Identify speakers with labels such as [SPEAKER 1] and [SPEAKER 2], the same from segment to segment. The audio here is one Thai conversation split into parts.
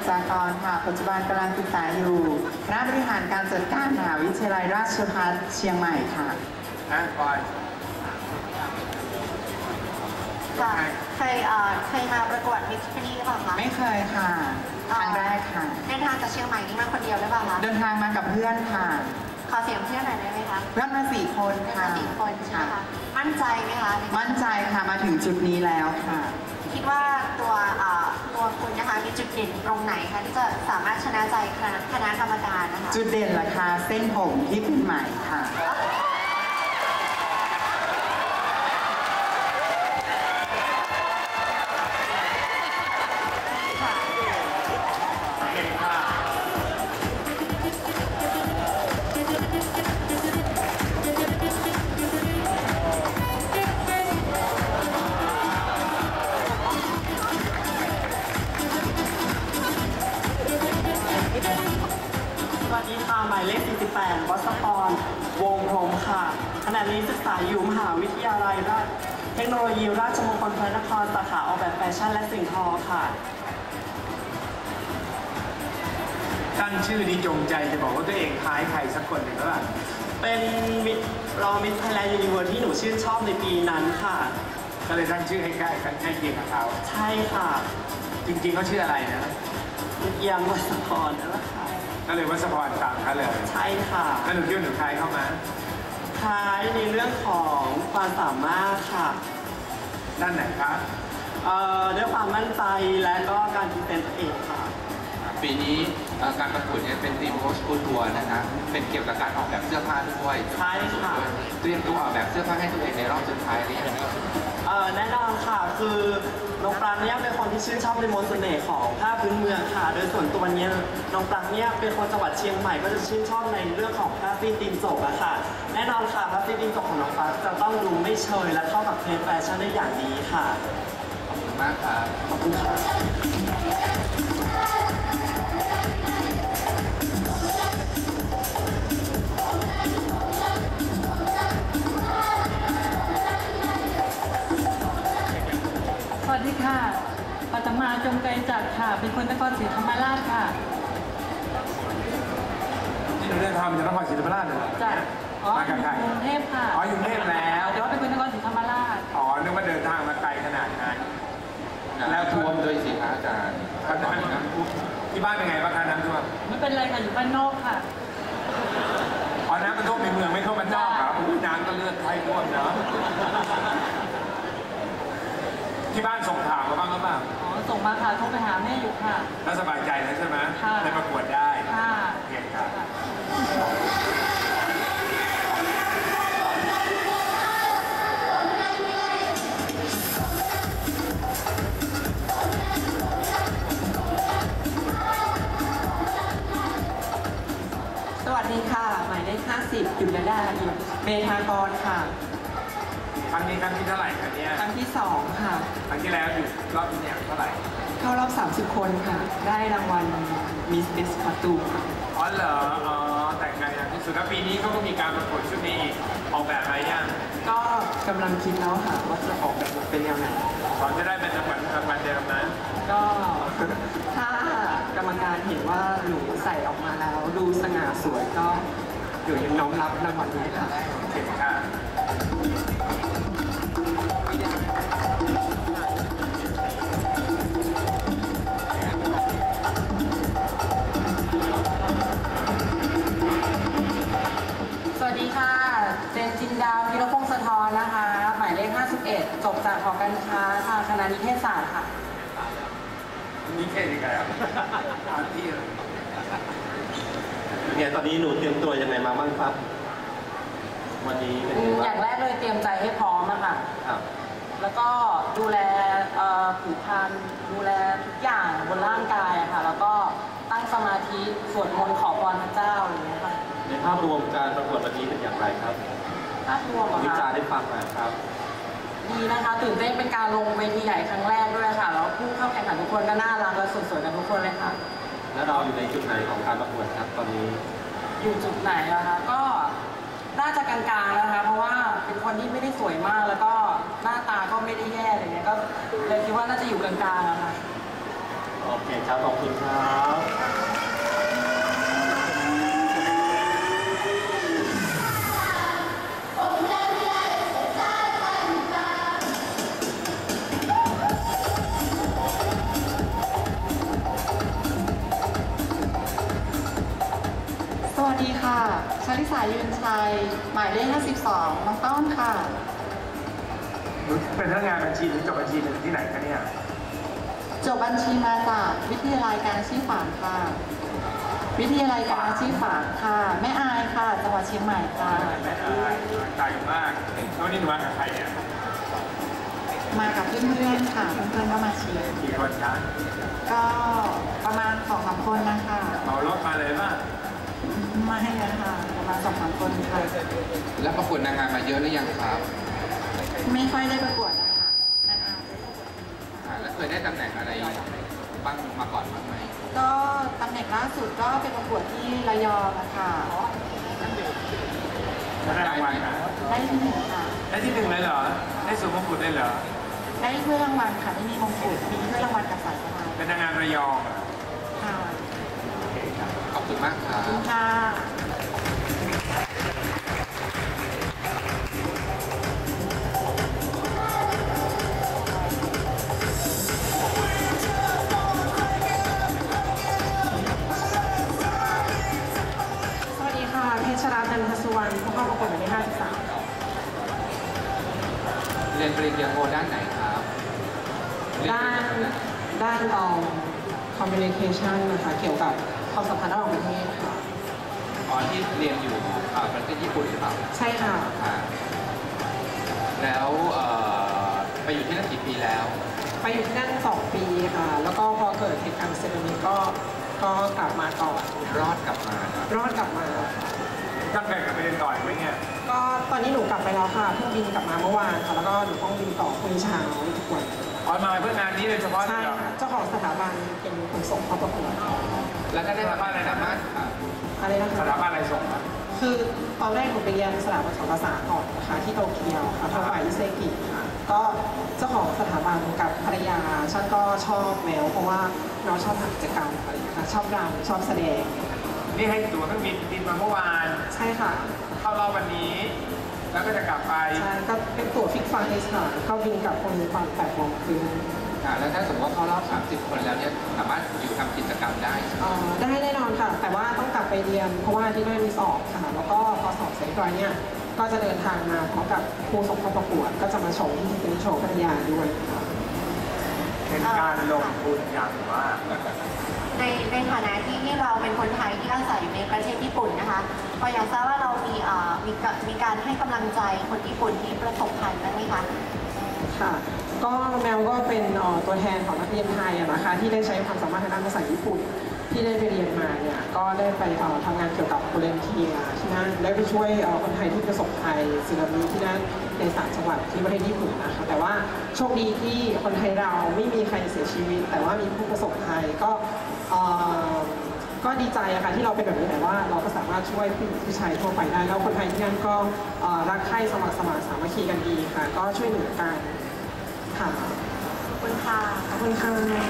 [SPEAKER 1] จากรค่ะปัจจุบันกำลังศึกษาอยู่คณะบริหารการจัดการมหาวิทยาลัยราชภัฏเชียงใหม่ค่ะ
[SPEAKER 2] ก่อน
[SPEAKER 3] เคยมาประกวดมิสทีนี่หรือเปล่าคะ
[SPEAKER 1] ไม่เคยค่ะครั้งแรกค่ะ
[SPEAKER 3] เดินทางจากเชียงใหม่นี่มาคนเดียวหรือเปล่าคะ
[SPEAKER 1] เดินทางมากับเพื่อนค่ะ
[SPEAKER 3] ขอเสียงเพื่อนหน่อยได้ไหมคะ
[SPEAKER 1] เพื่อนมา4 คนค่ะ
[SPEAKER 3] 4 คนใช่ไหมคะมั่นใจไหมคะ
[SPEAKER 1] มั่นใจค่ะมาถึงจุดนี้แล้วค่ะ
[SPEAKER 3] คิดว่าตัวคุณนะคะมีจุดเด่นตรงไหนคะที่จะสามารถชนะใจคณะกรรมการนะคะ
[SPEAKER 1] จุดเด่นล่ะคะเส้นผมที่เป็นใหม่ค่ะ
[SPEAKER 4] สวัสดีค่ะหมายเลข 48 วัชพร วงพรหมค่ะขณะนี้ศึกษาอยู่มหาวิทยาลัยเทคโนโลยีราชมงคลพระนครสาขาออกแบบแฟชั่นและสิ่งทอค่ะ
[SPEAKER 2] ตั้งชื่อนี้จงใจจะบอกว่าตัวเองคล้ายใครสักคนหนึ่งหรือเปล่า
[SPEAKER 4] เป็นรองมิสไทยแลนด์ยูนิเวิร์สที่หนูชื่นชอบในปีนั้นค่ะ
[SPEAKER 2] ก็เลยตั้งชื่อให้ใกล้กันใกล้เคียงกับเขา
[SPEAKER 4] ใช่ค่ะ
[SPEAKER 2] จริงๆเขาชื่ออะไรนะ
[SPEAKER 4] เอียงวัชพรนั่นแหละค่ะ
[SPEAKER 2] ก็เลยวัชพรตามเขาเลย
[SPEAKER 4] ใช่ค่ะ
[SPEAKER 2] แล้วหนูคิดว่าหนูคล้ายเข้ามา
[SPEAKER 4] คล้ายในเรื่องของความสามารถค่ะ
[SPEAKER 2] ด้านไหนครับ
[SPEAKER 4] ด้วยความมั่นใจและก็การพรีเซนต์ตัวเองค่ะ
[SPEAKER 5] ปีนี้การประกวดเนี่ยเป็นทีมโค้ชคูทัวร์นะคะเป็นเกี่ยวกับการออกแบบเสื้อผ้าด้วย
[SPEAKER 4] ใช่ค่ะ
[SPEAKER 5] เตรียมตัวออกแบบเสื้อผ้าให้ตัวเองในรอบสุดท้ายหรือยัง
[SPEAKER 4] แน่นอนค่ะคือน้องปรางเนี่ยเป็นคนที่ชื่นชอบในมนต์เสน่ห์ของผ้าพื้นเมืองค่ะโดยส่วนตัวเนี้ยน้องปรางเนี่ยเป็นคนจังหวัดเชียงใหม่ก็จะชื่นชอบในเรื่องของผ้าสิ้นตีนจกอะค่ะแน่นอนค่ะผ้าสิ้นตีนจกของน้องปรางจะต้องดูไม่เชยและเข้ากับเทรนด์แฟชั่นได้อย่างดีค่ะ
[SPEAKER 5] ขอบคุณมากครับ
[SPEAKER 4] ขอบคุณค่ะ
[SPEAKER 6] สวัสดีค่ะปัตมาจงไกรจักรค่ะเป็นคนนครศรีธรรมราชค่ะ
[SPEAKER 2] ที่หนูเดินทางมาจากนครศรีธรรมราชเลย
[SPEAKER 6] จ้ะ
[SPEAKER 2] มากับใคร
[SPEAKER 6] กรุงเทพค่ะ
[SPEAKER 2] อยู่กรุงเทพแล้ว
[SPEAKER 6] แต่ว่าเป็นคนนครศรีธรรมราช
[SPEAKER 2] นึกว่าเดินทางมาไกลขนาดนั้น
[SPEAKER 5] แล้วท่วมด้วยสิคะอาจารย์
[SPEAKER 2] ที่บ้านเป็นไงบ้างคะน้ำท่วม
[SPEAKER 6] ไม่เป็นไรค่ะอยู่บ้านนอกค่ะ
[SPEAKER 2] น้ำมันท่วมในเมืองไม่ท่วมบ้านนอกครับน้ำก็เลือดไทยท่วมเนาะที่บ้านส่งข่าวมาบ้างหรือเปล่า
[SPEAKER 6] ส่งมาค่ะโทรไปหาแม่อยู่ค่ะ
[SPEAKER 2] แล้วสบายใจแล้วใช่ไหม
[SPEAKER 6] ค่ะ
[SPEAKER 2] ได้ประกวดได้
[SPEAKER 6] ค่ะ
[SPEAKER 2] เก่งครับ
[SPEAKER 7] สวัสดีค่ะหมายเลข 50 จุลดาเมธากรค่ะ
[SPEAKER 2] ครั้งนี้ครั้งที่เท่าไหร่ครับเนี่ย
[SPEAKER 7] ครั้งที่2ค่ะ
[SPEAKER 2] ครั้งที่แล้วอยู่รอบที่เนี่ยเท่าไหร่
[SPEAKER 7] เข้ารอบ30 คนค่ะได้รางวัลมิสเบสคอตูค่ะ
[SPEAKER 2] เหรอแต่งงานอย่างที่สุดแล้วปีนี้เขาก็มีการประกวดชุดนี้อีกออกแบบอะไรยัง
[SPEAKER 7] ก็กำลังคิดแล้วค่ะว่าจะออกแบบเป็นแนวไหน
[SPEAKER 2] จะได้เป็นรางวัลเดิมนะ
[SPEAKER 7] ก็ถ้ากรรมการเห็นว่าหนูใส่ออกมาแล้วดูสง่าสวยก็เดี๋ยวยังน้อมรับรางวัลนี้ค่ะ
[SPEAKER 2] โอเคค่ะ
[SPEAKER 8] สวัสดีค่ะเจนจินดาพิรพงศ์สะท้อนนะคะหมายเลข 51 จบจากหอการค้าทางคณะนิเทศศาสตร์ค่ะ
[SPEAKER 2] นิเทศยังไงครับที่
[SPEAKER 4] เนี่ยตอนนี้หนูเตรียมตัวยังไงมาบ้างครับวันนี้
[SPEAKER 8] อย่างแรกเลยเตรียมใจให้พร้อมอะค่ะแล้วก็ดูแลผิวพรรณดูแลทุกอย่างบนร่างกายอะค่ะแล้วก็ตั้งสมาธิสวดมนต์ขอพรพระเจ้าอะไรอย่างเงี้ยค่ะ
[SPEAKER 4] ในภาพรวมการประกวดวันนี้เป็นอย่างไรครับ
[SPEAKER 8] ภาพรวม
[SPEAKER 4] วิจารณ์ได้ฟังมาครับ
[SPEAKER 8] ดีนะคะตื่นเต้นเป็นการลงเวทีใหญ่ครั้งแรกด้วยค่ะแล้วผู้เข้าแข่งขันทุกคนก็น่ารักและสวยๆกันทุกคนเลยค่ะ
[SPEAKER 4] แล้วเราอยู่ในจุดไหนของการประกวดครับตอนนี้
[SPEAKER 8] อยู่จุดไหนอะคะก็น่าจะกลางๆนะคะเพราะว่าเป็นคนที่ไม่ได้สวยมากแล้วก็หน้าตาก็ไม่ได้แย่อะไรเงี้ยก็เลยคิดว่าน่าจะอยู่กลางๆอะค่ะ
[SPEAKER 2] โ
[SPEAKER 4] โอเคครับขอบคุณครับ
[SPEAKER 1] สวัสดีค่ะชลิสายืนชัย หมายเลข 52 น้องต้นค่ะ
[SPEAKER 2] หนูเป็นพนักงานบัญชีหรือจบบัญชีหรือที่ไหนคะเนี่ย
[SPEAKER 1] จบบัญชีมาจากวิทยาลัยการอาชีพฝางค่ะ วิทยาลัยการอาชีพฝางค่ะ แม่อายค่ะ จังหวัดเชียงใหม่ค่ะ
[SPEAKER 2] แม่อายไกลมากแล้วนี่หนูมากับใครเนี่ย
[SPEAKER 1] มากับเพื่อนๆค่ะ เพื่อนๆก็มาเชียร์
[SPEAKER 2] กี่คนคะ
[SPEAKER 1] ก็ประมาณ 2-3 คนนะคะ
[SPEAKER 2] เหมารถมาเลยป่ะ
[SPEAKER 1] ไม่นะคะประมาณ 2-3 คนค่ะ
[SPEAKER 5] แล้วประกวดนางงามมาเยอะหรือยังครับ
[SPEAKER 1] ไม่ค่อยได้ประกวดนะคะนานๆได้ประกวด
[SPEAKER 5] แล้วเคยได้ตำแหน่งอะไรบ้างมาก่อนบ้างไหม
[SPEAKER 1] ก็ตำแหน่งล่าสุดก็เป็นประกวดที่ระยองนะคะ
[SPEAKER 2] ได้รางวัลนะ
[SPEAKER 1] ได้ที่หนึ่งค่ะ
[SPEAKER 2] ได้ที่หนึ่งเลยเหรอ ได้สูงมงกุฎได้เหรอ
[SPEAKER 1] ได้ถ้วยรางวัลค่ะไม่มีมงกุฎมีถ้วยรางวัลกับสายสะพาย
[SPEAKER 2] เป็นนางงามระยองเหรอ
[SPEAKER 1] ค่ะ
[SPEAKER 5] ขอบคุณมากครั
[SPEAKER 1] ขอบคุ
[SPEAKER 5] บ
[SPEAKER 1] ณค่ะ
[SPEAKER 7] สวัสดีค่ะเพชรราจันทสุวรรณผู้เข้าประกวดหมายเลข 53
[SPEAKER 5] เรียนปริญญาโทด้านไหนครับเรียน
[SPEAKER 7] ด้านcommunication นะคะเกี่ยวกับความสัมพันธ์ระหว่างประเทศค่ะ
[SPEAKER 5] อ๋อที่เรียนอยู่ประเทศญี่ปุ่นหรือเปล่า
[SPEAKER 7] ใช่ค่ะ
[SPEAKER 5] แล้วไปอยู่ที่นั่นกี่ปีแล้ว
[SPEAKER 7] ไปอยู่ที่นั่น2 ปีค่ะ แล้วก็พอเกิดเหตุการณ์สึนามิก็กลับมาก่อน
[SPEAKER 5] รอดกลับมานะ
[SPEAKER 7] รอดกลับมาค่ะ
[SPEAKER 2] ตั้งใจกลับไปเรียนต่ออีกไหมเนี่ย
[SPEAKER 7] ก็ตอนนี้หนูกลับไปแล้วค่ะเพิ่งบินกลับมาเมื่อวานค่ะ แล้วก็หนูต้องบินต่อพรุ่งนี้เช้าทุกวัน
[SPEAKER 2] ออนมาเพื่องานนี้โดยเฉพาะ
[SPEAKER 7] ใช่
[SPEAKER 2] เลยเหรอ
[SPEAKER 7] ค่ะเจ้าของสถาบันเป็นคนส่งเข้าประกวด
[SPEAKER 5] แล้วก็ได้รับอะไรนะมากครับ
[SPEAKER 7] อะไรนะ
[SPEAKER 2] ส
[SPEAKER 7] คะ
[SPEAKER 2] ถาบันอะไรส่งมา
[SPEAKER 7] คือตอนแรกหนูไปเรียนสถาบันสอนภาษาก่อนนะคะที่โตเกียวค่ะทางฝ่ายอิเซกิค่ะก็เจ้าของสถาบันกับภรรยาฉันก็ชอบแมวเพราะว่าน้องชอบทำกิจกรรมอะไรอย่างเงี้ยค่ะชอบรำชอบแสดง
[SPEAKER 2] นี่ให้ตั๋วเครื่องบินมาเมื่อวาน
[SPEAKER 7] ใช่ค่ะ
[SPEAKER 2] เข้ารอบวันนี้ แล้วก็จะกลับไป
[SPEAKER 7] ใช่ก็เป็นตั๋วฟิกไฟล์ค่ะก็บินกลับคนตอน8 โมงครึ่ง
[SPEAKER 5] แล้วถ้าสมมติว่าเข้ารอบ 30 คนแล้วเนี่ยสามารถอยู่ทำกิจกรรมได้ใช่ไหม
[SPEAKER 7] ได้แน่นอนค่ะ แต่ว่าต้องกลับไปเรียนเพราะว่าที่นั่นมีสอบค่ะ แล้วก็พอสอบเสร็จเรียบร้อยเนี่ยก็จะเดินทางมาพร้อมกับครูส่งเข้าประกวดก็จะมาชมที่เป็นโชว์พัทยาด้วยค่ะ
[SPEAKER 2] เป็นการลงทุนอย่างว่า
[SPEAKER 3] ในฐานะที่เราเป็นคนไทยที่อาศัยอยู่ในประเทศญี่ปุ่นนะคะก็อยากทราบว่าเรามีการให้กำลังใจคนญี่ปุ่นที่ประสบภัยบ้างไหมคะ
[SPEAKER 7] ค่ะ ก็แมวก็เป็นตัวแทนของนักเรียนไทยนะคะที่ได้ใช้ความสามารถทางด้านภาษาญี่ปุ่นที่ได้ไปเรียนมาเนี่ยก็ได้ไปทำงานเกี่ยวกับโวเลนเทียร์ที่นั่นได้ไปช่วยคนไทยที่ประสบภัยสึนามิที่นั่นใน3 จังหวัดที่ประเทศญี่ปุ่นนะคะแต่ว่าโชคดีที่คนไทยเราไม่มีใครเสียชีวิต แต่ว่ามีผู้ประสบภัยก็ดีใจอะค่ะที่เราเป็นแบบนี้แต่ว่าเราก็สามารถช่วยผู้ชายทั่วไปได้แล้วคนไทยที่นั่นก็รักใคร่สมัครสมานสามัคคีกันดีค่ะก็ช่วยเหลือกันค่ะ
[SPEAKER 3] ขอบคุณค่ะ
[SPEAKER 7] ขอบคุณค่ะ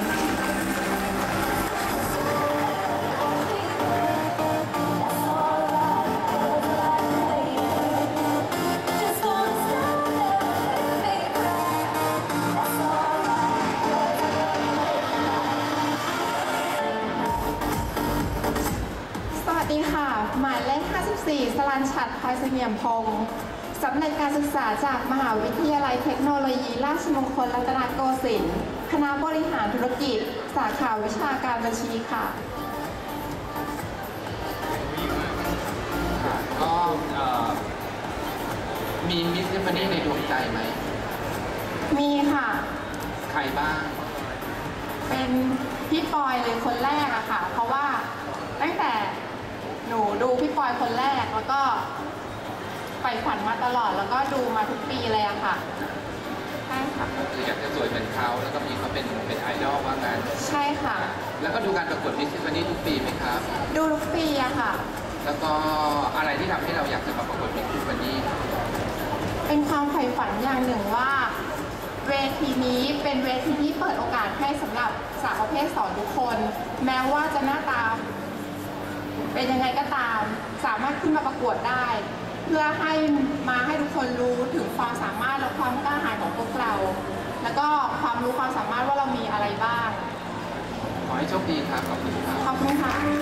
[SPEAKER 9] สวัสดีค่ะ หมายเลข 54 สรัญชัด พลอยเสงี่ยมพงศ์สำเร็จการศึกษาจากมหาวิทยาลัยเทคโนโลยีราชมงคลรัตนโกสินทร์คณะบริหารธุรกิจ สาขาวิชาการบัญชีค่ะ
[SPEAKER 5] ก็มีมิสซิฟฟานี่ในดวงใจไหม
[SPEAKER 9] มีค่ะ
[SPEAKER 5] ใครบ้าง
[SPEAKER 9] เป็นพี่ปอยเลยคนแรกอะค่ะ เพราะว่าตั้งแต่หนูดูพี่ปอยคนแรกแล้วก็ใฝ่ฝันมาตลอดแล้วก็ดูมาทุกปีเลยอะค่ะใช่ค่ะ
[SPEAKER 5] ก็คืออยากจะสวยเหมือนเขาแล้วก็มีเขาเป็นไอดอลว่างั้น
[SPEAKER 9] ใช่ค่ะ
[SPEAKER 5] แล้วก็ดูการประกวดมิสซิฟฟานี่ทุกปีไหมครับ
[SPEAKER 9] ดูทุกปีอะค่ะ
[SPEAKER 5] แล้วก็อะไรที่ทำให้เราอยากจะมาประกวดมิสซิฟฟานี่
[SPEAKER 9] เป็นความใฝ่ฝันอย่างหนึ่งว่า เวทีนี้เป็นเวทีที่เปิดโอกาสให้สำหรับสาวประเภเทศสอนทุกคน แม้ว่าจะหน้าตาเป็นยังไงก็ตามสามารถขึ้นมาประกวดได้ เพื่อให้ทุกคนรู้ถึงความสามารถและความกล้าหาญของพวกเรา แล้วก็ความรู้ความสามารถว่าเรามีอะไรบ้าง
[SPEAKER 5] ขอให้โชคดีครับ ขอบคุณครับ
[SPEAKER 9] ขอบคุณค่ะ